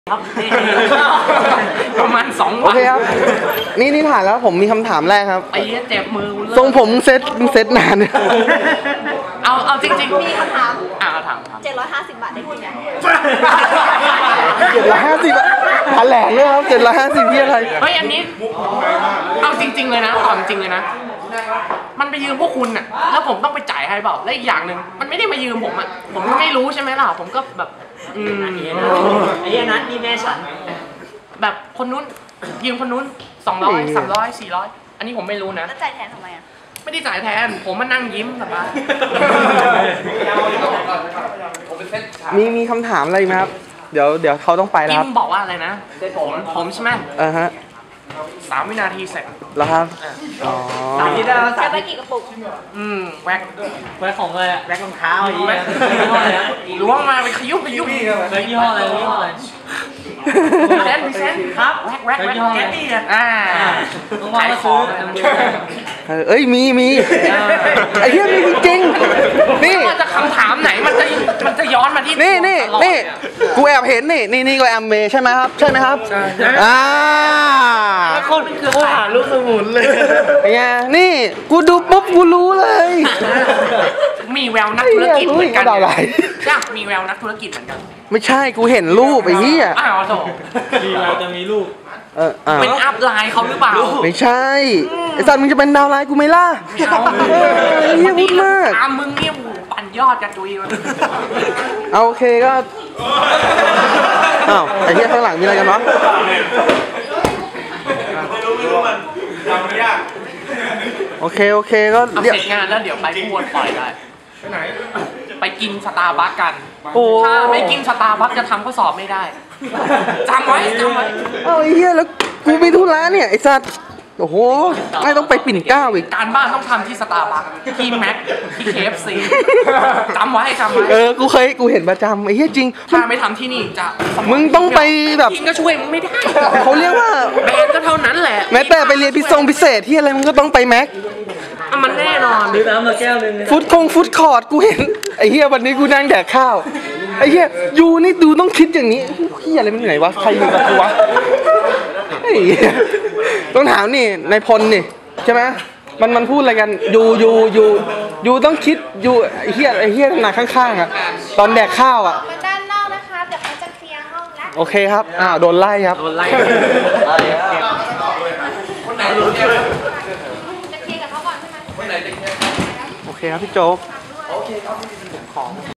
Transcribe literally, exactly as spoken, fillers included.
ครับประมาณสองวันโอเคครับนี่นี่ผ่านแล้วผมมีคำถามแรกครับไอ้เจ็บมือทรงผมเซ็ตเซ็ตนานเนี่ยเอาเอาจริงๆมีคำถามอ่าถามถามเจ็ดร้อยห้าสิบบาทได้กินไหมเจ็ดร้อยห้าสิบแถลงเลยครับเจ็ดร้อยห้าสิบที่อะไรเฮ้ยอันนี้เอาจริง ๆเลยนะตอบจริงเลยนะมันไปยืมพวกคุณน่ะแล้วผมต้องไปจ่ายให้เปล่าและอีกอย่างหนึ่งมันไม่ได้มายืมผมอ่ะผมก็ไม่รู้ใช่ไหมล่ะผมก็แบบอืมไอ้นัทนี่แม่ฉันแบบคนนู้นยืมคนนู้นสองร้อยสามร้อยสี่ร้อยอันนี้ผมไม่รู้นะแล้วจ่ายแทนทำไมอ่ะไม่ได้จ่ายแทนผมมานั่งยิ้มสบายมีมีคำถามอะไรไหมครับเดี๋ยวเดี๋ยวเขาต้องไปแล้วยิ้ครับมบอกว่าอะไรนะผมผมใช่ไหมอ่าฮะสามวินาทีเสร็จแล้วครับอ๋อสามวินาทีจะไปกี่กระปุกอืมแว็กแว็กของอะไรอะแว็กรองเท้าอย่างแว็เงี้กยยี่ห้ออะไรนะล้วงมาไปขยุ้มขยุ้มแว็กยี่ห้ออะไรยี่ห้ออะไรพิเศษพิเศษครับแว็กแว็กแว็กแกตี้อ่าต้องว่ามาซื้อทำมือเออเอ้ยมีมีไอ้เหี้ยมีจริงๆนี่ว่าจะคำถามไหนมันจะมันจะย้อนมาที่นี่นี่นี่กูแอบเห็นนี่นี่นี่ก็แอมเมย์ใช่ไหมครับใช่ไหมครับอ่าคนคือหาลูกสมุนเลยเป็นไงนี่กูดูปุ๊บกูรู้เลยมีแววนักธุรกิจเหมือนกันไอ้เหี้ยรู้อีกก็ดาวไหลใช่มีแววนักธุรกิจเหมือนกันไม่ใช่กูเห็นรูปไอ้เหี้ยอ้าวโถมีเราจะมีลูกเอออ่าเป็นอัพไลน์เขาหรือเปล่าไม่ใช่ไอ้สัตว์มึงจะเป็นดาวไลน์กูไหม่ล่ะไม่เอาเออเหี้ยพูดมากตามมึงเนี่ยโอ้โหปั่นยอดกันจุยมันเอาโอเคก็อ้าวไอ้เหี้ยข้างหลังมีอะไรกันวะโอเคโอเคก็ทำเดี๋ยวเสร็จงานแล้วเดี๋ยวไปพูดปล่อยได้ไปไหนไปกินสตาร์บัคกันโอ้ถ้าไม่กินสตาร์บัคจะทำข้อสอบไม่ได้จำไว้จำไว้เอาไอ้เหี้ยแล้วกูไปธุระเนี่ยไอ้สัตว์โอ้โหไม่ต้องไปปิ่นเกล้าอีกการบ้านต้องทำที่สตาร์บัคที่แม็กที่เคเอฟซีจำไว้จำไว้เออกูเคยกูเห็นประจำไอ้เหี้ยจริงถ้าไม่ทำที่นี่จะมึงต้องไปแบบกินก็ช่วยมึงไม่ได้เขาเรียกว่าแบนก็เท่านั้นแหละแม้แต่ไปเรียนพิเศษพิเศษที่อะไรมึงก็ต้องไปแม็กอ่ะมันแน่นอนซื้อน้ำมาแก้วนึงฟุตคงฟุตคอร์ดกูเห็นไอ้เหี้ยวันนี้กูนั่งแดกข้าวไอ้เหี้ยยูนี่ดูต้องคิดอย่างนี้เหี้ยอะไรมันเหนื่อยวะใครอยู่กับกูวะไอ้เหี้ยต้องถามนี่นายพลนี่ใช่ไหมมันมันพูดอะไรกันยูยูยูยูต้องคิดยูไอ้เหี้ยไอ้เหี้ยหนักข้างๆอ่ะตอนแดกข้าวอ่ะมาด้านนอกนะคะเดี๋ยวเขาจะเคลียร์ห้องแล้วโอเคครับอ้าวโดนไล่ครับโดนไล่จะเคลียร์กับเขาก่อนใช่ไหมโอเคครับพี่โจ๊ก